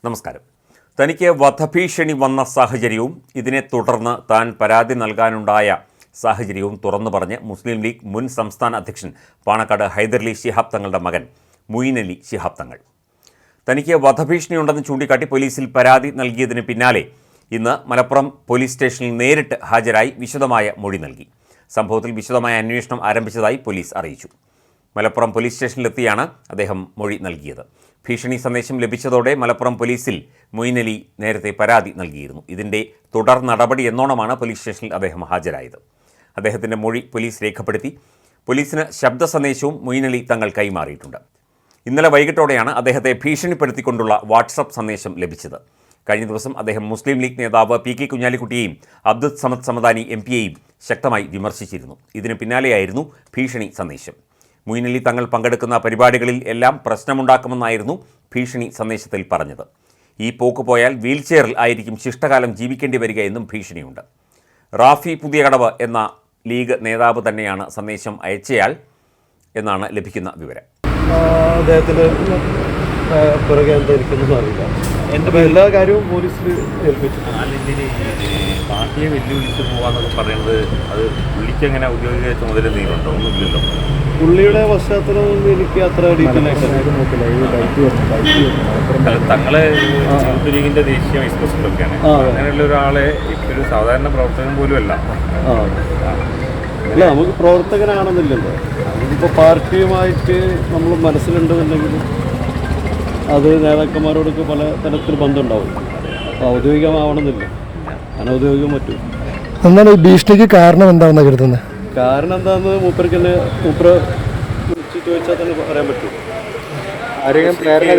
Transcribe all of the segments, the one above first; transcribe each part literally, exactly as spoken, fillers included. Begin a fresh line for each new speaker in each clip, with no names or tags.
നമസ്കാരം. തനിക്ക് വധഭീഷണി വന്ന സാഹചര്യവും ഇതിനെ തുടർന്ന് താൻ പരാതി നൽകാനുണ്ടായ സാഹചര്യവും തുറന്നു പറഞ്ഞ് മുസ്ലിം ലീഗ് മുൻ സംസ്ഥാന അധ്യക്ഷൻ പാണക്കാട് ഹൈദരലി ശിഹാബ് തങ്ങളുടെ മകൻ മുയിനലി ശിഹാബ് തങ്ങൾ. തനിക്ക് വധഭീഷണിയുണ്ടെന്ന് ചൂണ്ടിക്കാട്ടി പോലീസിൽ പരാതി നൽകിയതിന് പിന്നാലെ ഇന്ന് മലപ്പുറം പോലീസ് സ്റ്റേഷനിൽ നേരിട്ട് ഹാജരായി വിശദമായ മൊഴി നൽകി. സംഭവത്തിൽ വിശദമായ അന്വേഷണം ആരംഭിച്ചതായി പോലീസ് അറിയിച്ചു. മലപ്പുറം പോലീസ് സ്റ്റേഷനിലെത്തിയാണ് അദ്ദേഹം മൊഴി നൽകിയത്. ഭീഷണി സന്ദേശം ലഭിച്ചതോടെ മലപ്പുറം പോലീസിൽ മുയിനലി നേരത്തെ പരാതി നൽകിയിരുന്നു. ഇതിൻ്റെ തുടർ നടപടി എന്നോണമാണ് പോലീസ് സ്റ്റേഷനിൽ അദ്ദേഹം ഹാജരായത്. അദ്ദേഹത്തിൻ്റെ മൊഴി പോലീസ് രേഖപ്പെടുത്തി. പോലീസിന് ശബ്ദ സന്ദേശവും മുയിനലി തങ്ങൾ കൈമാറിയിട്ടുണ്ട്. ഇന്നലെ വൈകിട്ടോടെയാണ് അദ്ദേഹത്തെ ഭീഷണിപ്പെടുത്തിക്കൊണ്ടുള്ള വാട്സപ്പ് സന്ദേശം ലഭിച്ചത്. കഴിഞ്ഞ ദിവസം അദ്ദേഹം മുസ്ലിം ലീഗ് നേതാവ് പി കെ കുഞ്ഞാലിക്കുട്ടിയെയും അബ്ദുൽ സമദ് സമദാനി എം പിയെയും ശക്തമായി വിമർശിച്ചിരുന്നു. ഇതിന് പിന്നാലെയായിരുന്നു ഭീഷണി സന്ദേശം. മുയിനലി തങ്ങൾ പങ്കെടുക്കുന്ന പരിപാടികളിൽ എല്ലാം പ്രശ്നമുണ്ടാക്കുമെന്നായിരുന്നു ഭീഷണി സന്ദേശത്തിൽ പറഞ്ഞത്. ഈ പോക്ക് പോയാൽ വീൽചെയറിൽ ആയിരിക്കും ശിഷ്ടകാലം ജീവിക്കേണ്ടി വരിക എന്നും ഭീഷണിയുണ്ട്. റാഫി പുതിയകടവ് എന്ന ലീഗ് നേതാവ് തന്നെയാണ് സന്ദേശം അയച്ചയാൾ എന്നാണ് ലഭിക്കുന്ന വിവരം.
അദ്ദേഹത്തിൻ്റെ പുറകെ എന്തായിരിക്കും അറിയില്ല. എൻ്റെ എല്ലാ കാര്യവും പോലീസിൽ ഏൽപ്പിച്ചു.
അല്ലെങ്കിൽ പാർട്ടിയെ വെല്ലുവിളിച്ച് പോകാന്നൊക്കെ പറയുന്നത് അത് പുള്ളിക്ക് എങ്ങനെ ഔദ്യോഗിക ചുമതല എന്തെങ്കിലുണ്ടോ? ഒന്നുമില്ലല്ലോ.
പുള്ളിയുടെ പശ്ചാത്തലം എനിക്ക് അത്ര ഡീറ്റെയിൽ
തങ്ങളെ യൂത്ത് ലീഗിന്റെ ദേശീയ വൈസ് പ്രസിഡന്റൊക്കെയാണ്. അങ്ങനെയുള്ള ഒരാളെ ഇപ്പൊരു സാധാരണ പ്രവർത്തകൻ പോലും അല്ല.
അല്ല, നമുക്ക് പ്രവർത്തകനാണെന്നില്ലല്ലോ. നമുക്കിപ്പോൾ പാർട്ടിയുമായിട്ട് നമ്മൾ മനസ്സിലുണ്ടെന്നുണ്ടെങ്കിൽ അത് നേതാക്കന്മാരോടൊക്കെ പല തരത്തിൽ ബന്ധമുണ്ടാവും. ഔദ്യോഗികമാവണമെന്നില്ല, അനൗദ്യോഗികം പറ്റും.
എന്താണ് ഈ ഭീഷണിക്ക് കാരണം എന്താണെന്ന് കരുതുന്നത്?
കാരണം എന്താണെന്ന് മൂപ്പർക്ക് തന്നെ മൂപ്പർ വിളിച്ച് ചോദിച്ചാൽ തന്നെ പറയാൻ പറ്റും. ആരെങ്കിലും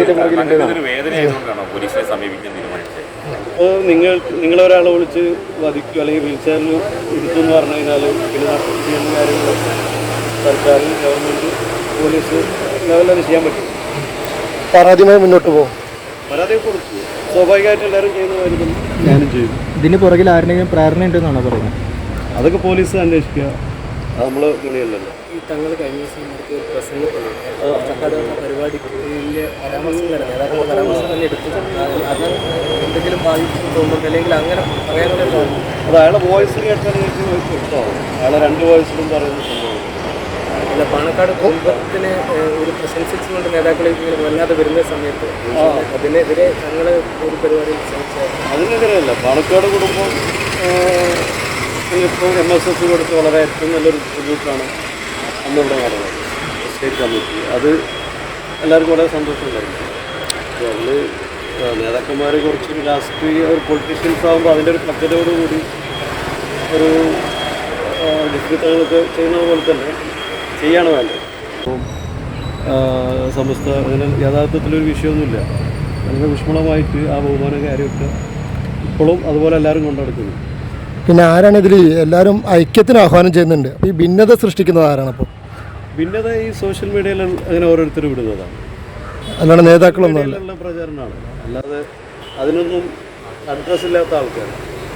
അപ്പോൾ നിങ്ങൾ നിങ്ങളൊരാളെ വിളിച്ച് വധിക്കും അല്ലെങ്കിൽ വീൽചെയറിൽ ഇരുത്തുമെന്ന് പറഞ്ഞു കഴിഞ്ഞാൽ പിന്നെ ചെയ്യുന്ന കാര്യങ്ങൾ സർക്കാർ, ഗവൺമെൻറ്, പോലീസ് ലെവലിൽ ചെയ്യാൻ പറ്റും.
പരാതിയുമായി മുന്നോട്ട് പോകും.
പരാതിയെ കുറിച്ച് സ്വാഭാവികമായിട്ട് എല്ലാവരും ചെയ്യുന്നതായിരിക്കും ഞാനും ചെയ്യും.
ഇതിന് പുറകിൽ ആരുടെയും പ്രേരണ ഉണ്ടെന്നാണോ പറയുന്നത്?
അതൊക്കെ പോലീസ് അന്വേഷിക്കുക, അത് നമ്മൾ തുണിയല്ലല്ലോ.
ഈ തങ്ങൾ കഴിഞ്ഞ ദിവസം നമുക്ക് പ്രസംഗത്തിൽ പരിപാടിയിലെ പരാമർശം തന്നെ നേതാക്കളുടെ പരാമർശം തന്നെ എടുത്തു. അത് എന്തെങ്കിലും ബാധിച്ചു തോന്നുന്നുണ്ട് അല്ലെങ്കിൽ അങ്ങനെ പറയാനുള്ള
അത് അയാളെ വോയിസിൽ കേട്ടാൽ എനിക്ക് വ്യക്തമാവും. അയാളെ രണ്ട് വോയിസിലും പറയുന്ന സംഭവം
അല്ല. പാണക്കാട് കുടുംബത്തിന് ഒരു പ്രശംസിച്ചുകൊണ്ട് നേതാക്കളെ ഇങ്ങനെ വല്ലാതെ വരുന്ന സമയത്ത് അതിനെതിരെ തങ്ങൾ ഒരു പരിപാടി
അതിനെതിരെയല്ല. പാണക്കാട് കുടുംബം ഇപ്പോൾ എം എസ് എസ് കൊടുത്ത് വളരെ ഏറ്റവും നല്ലൊരു ട്രിബ്യൂട്ടാണ് അന്നിവിടെ നടന്നത്, സ്റ്റേറ്റ് കമ്മിറ്റി. അത് എല്ലാവർക്കും വളരെ സന്തോഷമുണ്ടായിരുന്നു. അപ്പോൾ അതിൽ നേതാക്കന്മാർ കുറച്ചൊരു രാഷ്ട്രീയ ഒരു പൊളിറ്റീഷ്യൻസ് ആകുമ്പോൾ അതിൻ്റെ ഒരു പദ്ധതിയോടുകൂടി ഒരു ഡിസ്ട്രിക്റ്റുകളൊക്കെ ചെയ്യുന്നത് പോലെ തന്നെ ചെയ്യാണ് വേണ്ടത്. അപ്പം സമസ്ത അങ്ങനെ യഥാർത്ഥത്തിലൊരു വിഷയമൊന്നുമില്ല. വളരെ വിഷമമായിട്ട് ആ ബഹുമാന കാര്യമൊക്കെ ഇപ്പോഴും അതുപോലെ എല്ലാവരും കൊണ്ടുനടക്കുന്നു.
പിന്നെ ആരാണ് ഇതിൽ എല്ലാവരും ഐക്യത്തിന് ആഹ്വാനം ചെയ്യുന്നുണ്ട്. അപ്പോൾ ഈ ഭിന്നത സൃഷ്ടിക്കുന്നത് ആരാണ്? അപ്പോൾ
ഭിന്നത ഈ സോഷ്യൽ മീഡിയയിൽ അങ്ങനെ ഓരോരുത്തരും വിടുന്നതാണ്,
അല്ലാണ്ട് നേതാക്കളൊന്നും
പ്രചാരണമാണ്. അല്ലാതെ അതിനൊന്നും അഡ്രസ് ഇല്ലാത്ത ആൾക്കാർ